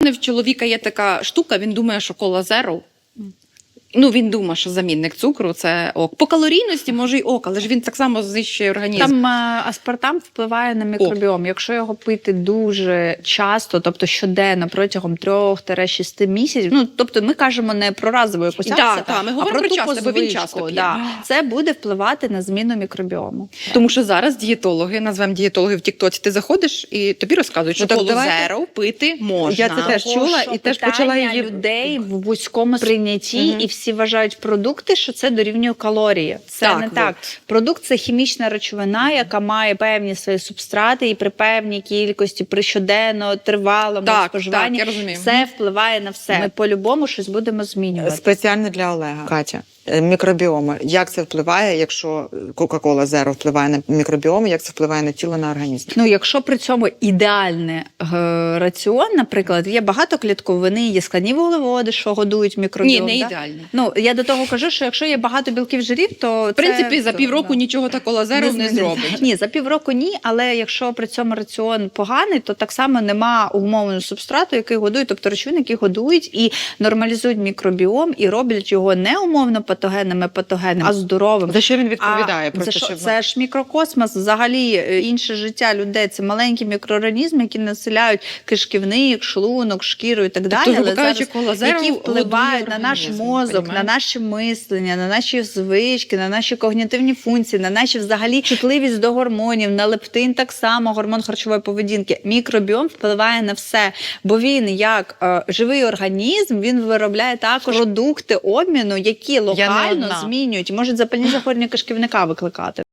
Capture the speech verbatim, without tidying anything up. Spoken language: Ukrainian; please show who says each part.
Speaker 1: В чоловіка є така штука, він думає, що кола зеро. Ну, він думає, що замінник цукру – це ок. По калорійності може й ок, але ж він так само знищує організм.
Speaker 2: Там а, аспартам впливає на мікробіом. О. Якщо його пити дуже часто, тобто щоденно, протягом трьох-шести місяців, ну, тобто ми кажемо не про разову якусь
Speaker 1: да,
Speaker 2: акцію,
Speaker 1: та, ми
Speaker 2: а
Speaker 1: говоримо
Speaker 2: про
Speaker 1: про часто, бо він
Speaker 2: звичку,
Speaker 1: часто п'є.
Speaker 2: Да. Це буде впливати на зміну мікробіому.
Speaker 1: Тому що зараз дієтологи, назвемо дієтологи в Тіктоці, ти заходиш і тобі розказують, що
Speaker 3: Ну,
Speaker 1: колу
Speaker 3: давайте...
Speaker 1: зеро пити можна.
Speaker 3: Я це теж чула і теж почала її...
Speaker 2: людей в вузькому сприйнятті,
Speaker 3: угу.
Speaker 2: і всі вважають продукти, що це дорівнює калорії. Це
Speaker 1: так,
Speaker 2: не так.
Speaker 1: Вот.
Speaker 2: Продукт – це хімічна речовина, яка має певні свої субстрати, і при певній кількості, при щоденно, тривалому
Speaker 1: так,
Speaker 2: споживанні,
Speaker 1: так, я розумію.
Speaker 2: все впливає на все. Ми по-любому щось будемо змінювати.
Speaker 3: Спеціально для Олега. Катя, мікробіоми. Як це впливає, якщо Кока-Кола Зеро впливає на мікробіоми, як це впливає на тіло, на організм?
Speaker 2: Ну, якщо при цьому ідеальний е, раціон, наприклад, є багато клітковини, є складні вуглеводи, що годують мікробіом.
Speaker 1: Ні, не
Speaker 2: да?
Speaker 1: ідеальний.
Speaker 2: Ну, я до того кажу, що якщо є багато білків жирів, то
Speaker 1: В принципі,
Speaker 2: це,
Speaker 1: за півроку
Speaker 2: да.
Speaker 1: нічого та кола зеро не, не зробить.
Speaker 2: Ні, за півроку ні, але якщо при цьому раціон поганий, то так само нема умовного субстрату, який годує, тобто речовин, які годують і нормалізують мікробіом, і роблять його не умовно патогенним, патогенним, а здоровим.
Speaker 3: За що він відповідає?
Speaker 2: А,
Speaker 3: Просто,
Speaker 2: за що?
Speaker 3: щоб...
Speaker 2: Це ж мікрокосмос, взагалі інше життя людей. Це маленькі мікроорганізми, які населяють кишківник, шлунок, шкіру і так далі.
Speaker 1: Тобто,
Speaker 2: але
Speaker 1: кажучи,
Speaker 2: зараз,
Speaker 1: кола зеро
Speaker 2: які впливають на наш
Speaker 1: організм,
Speaker 2: мозок,
Speaker 1: понімаєш?
Speaker 2: на наше мислення, на наші звички, на наші когнітивні функції, на наші взагалі чутливість до гормонів, на лептин так само, гормон харчової поведінки. Мікробіом впливає на все, бо він як е, живий організм, він виробляє також продукти обміну, які локально змінюють, можуть запальні захворювання кишківника викликати.